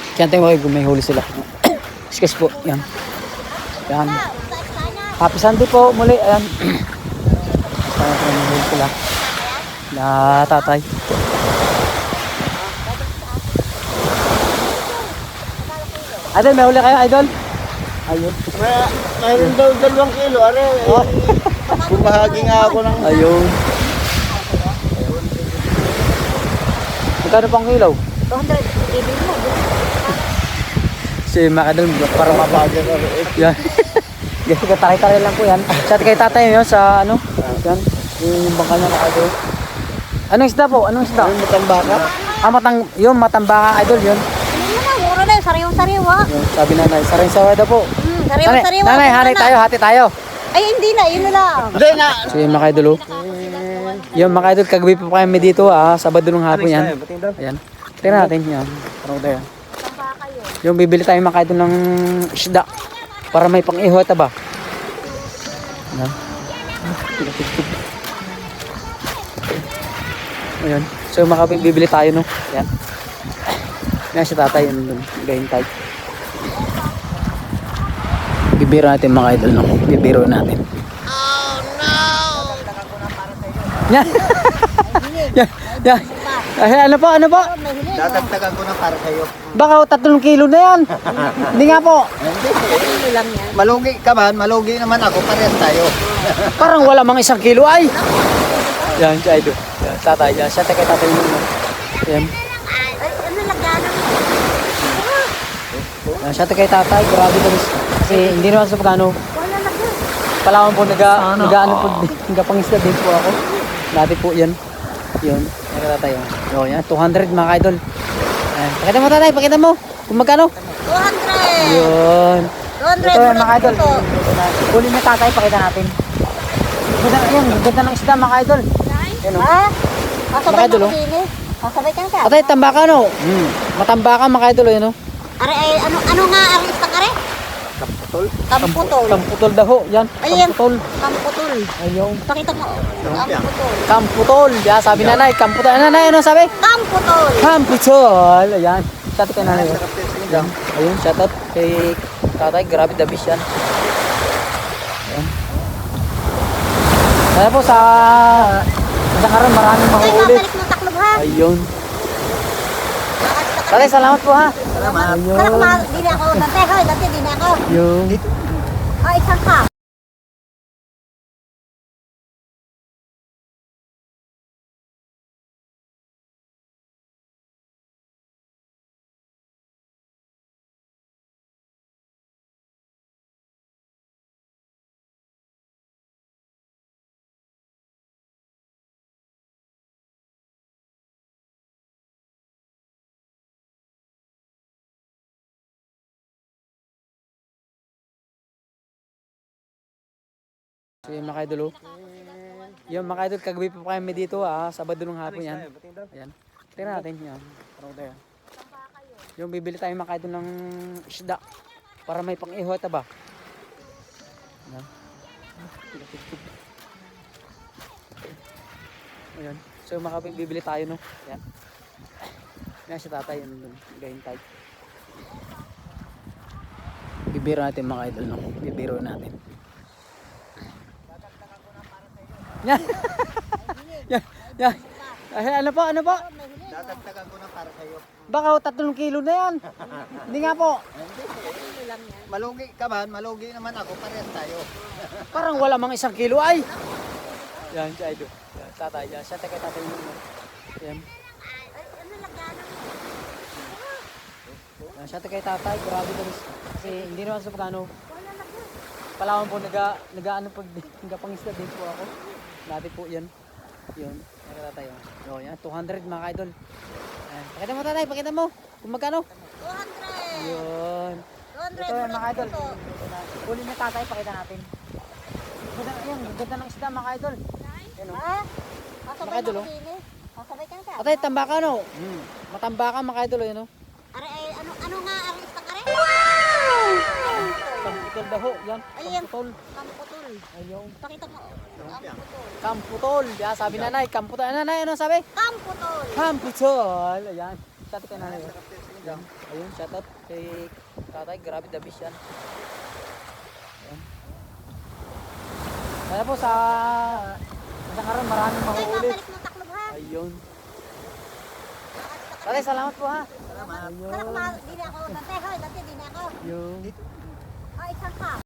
Kaya tayo may huli sila. Excuse po. Yan. Yan. Happy Sunday po muli. Ayan. May huli sila. Na tatay. Idol, may huli kayo, Idol? Ayun. Mayroon daw 2 kilo. Are, bumahagi nga ako ng... Ayun. Magkano pang kilaw? 200. Ibig mo. Si Makadol para Mabagay ka rin. yan. Kasi taray-taray lang po yan. Sa kay tatay yun sa ano? Yan. Yung bangka niya Idol. Anong isda po? Anong isda? Yung matambaka. Yung matambaka Idol yun. Hindi naman, mura na yun. Sariwa-sariwa. Yung sabi nanay, saray-saray daw po. Sariwa-sariwa. Nanay, hanay tayo, hati tayo. Ay, hindi na. Yun na lang. Hindi na. So yung mga idol, yung mga idol, kagabi pa kami dito Sabado ng hapon yan. Ayan. Tingnan natin yan. Parang tayo. Yung bibili tayo mga idol ng isda. Para may pang-ihot ba? Ayan. Ayan. So bibili tayo no. Ayan. Ayan si tatay. Gahintay. Bibiro natin mga idol no. Bibiro natin. Oh no. Yan. Yan. Ay, ano po? Dadagdagan ko na para sa'yo. Baka 3 kilo na yan. Hindi nga po. Kilo lang yan. Malugi ka man, malugi naman ako. Parehas tayo. Parang wala mang 1 kilo ay. Yan si idol. Yan, tatay. Yan. Siya tayo tatay mo. Yan. Ay, ano lagyanan mo? Yan. Siya tayo tatay. Grabe guys. Kasi hindi naman sa pagkano. Wala lagyan. Palawan po nag-ano po. Nagpangisda din po ako. Dati po yan. Yun. Nagkatay. O yan. 200 mga idol. Yan. Pakita mo tatay. Pakita mo. Kung magkano. 200. Yun. 200. Ito yan mga idol. Huli na tatay. Pakita natin. Ganda ng isda mga idol. Yan o. Ha? Kasabay Idol, ka oh. din eh. Kasabay ka ka. Atay, tambaka no? Matambaka mga idol yun o. Are, ay, ano nga ang isang are? Kaputol. Kamputol. Kamputol daw ho. Yan. Ayan. Kamputol. Kamputol. Ayun. Pakita mo. Kamputol. Kamputol. Yan, sabi nanay. Kamputol. Nanay, ano sabi? Kamputol. Kamputol. Ayan. Shout out kay nanay. Sarap din sa'yo. Yan. Ayun, shout out kay tatay. Grabe the beast yan. Ayan. Kaya po sa karon maraming Ay, mahuhuli. babalik mo taklob ha. Ayun. Tatay, salamat po ha. Salamat. Kaya kung di na ako dati, hoy, dati di na ako. Ayun. Oh, isang ka. So yung mga idol, yung mga idol, kagabi pa kami dito Sabado ng hapon yan. Ayan. Tingnan natin yan. Parang tayo. Yung bibili tayo mga idol ng isda. Para may pang-ihot ba? Ayan. Ayan. So bibili tayo no. Ayan. Ayan si tatay. Gahintay. Bibiro natin mga idol no. Bibiro natin. Yan. Yan. Yan. Ay, ano po? Dadagdagan ko na para sa'yo. Baka 3 kilo na yan. Hindi nga po. Malugi ka man, malugi naman ako. Parehas tayo. Parang wala mang 1 kilo ay. Yan si idol. Yan, tatay. Yan. Siya tayo tatay mo. Yan. Ay, ano lagyanan mo? Yan. Siya tayo tatay. Grabe guys. Kasi hindi naman sa pagkano. Wala lagyan. Palawan po nag-ano pag nagpangisda din po ako. Dati po yan. Yun. Nagkatay. O yan. 200 mga idol. Yan. Pakita mo tatay. Pakita mo. Kung magkano. 200. Yun. 200. Ito yan mga idol. Huli na tatay. Pakita natin. Ganda ng isda mga idol. Yan o. Ha? Kasabay Mga idol, ka oh. din eh. Kasabay ka ka. Atay, tambaka no? Matambaka mga idol yun o. Are, ay, ano nga ang isang are? Kamputol daw ho. Yan. Ayan. Kamputol. Kamputol. Ayun. Pakita mo. Kamputol. Kamputol. Yan, sabi nanay. Kamputol. Nanay, ano sabi? Kamputol. Kamputol. Ayan. Sabi kay nanay. Ayun, shoutout kay tatay. Grabe, the best yan. Ayan. Kaya po sa isang araw maraming Ay, mahuulit. babalik mo taklob ha. Ayun. Tatay, salamat po ha. Sana di na ako dante. Hoy, dante di na ako. Yung Oh, isang ka.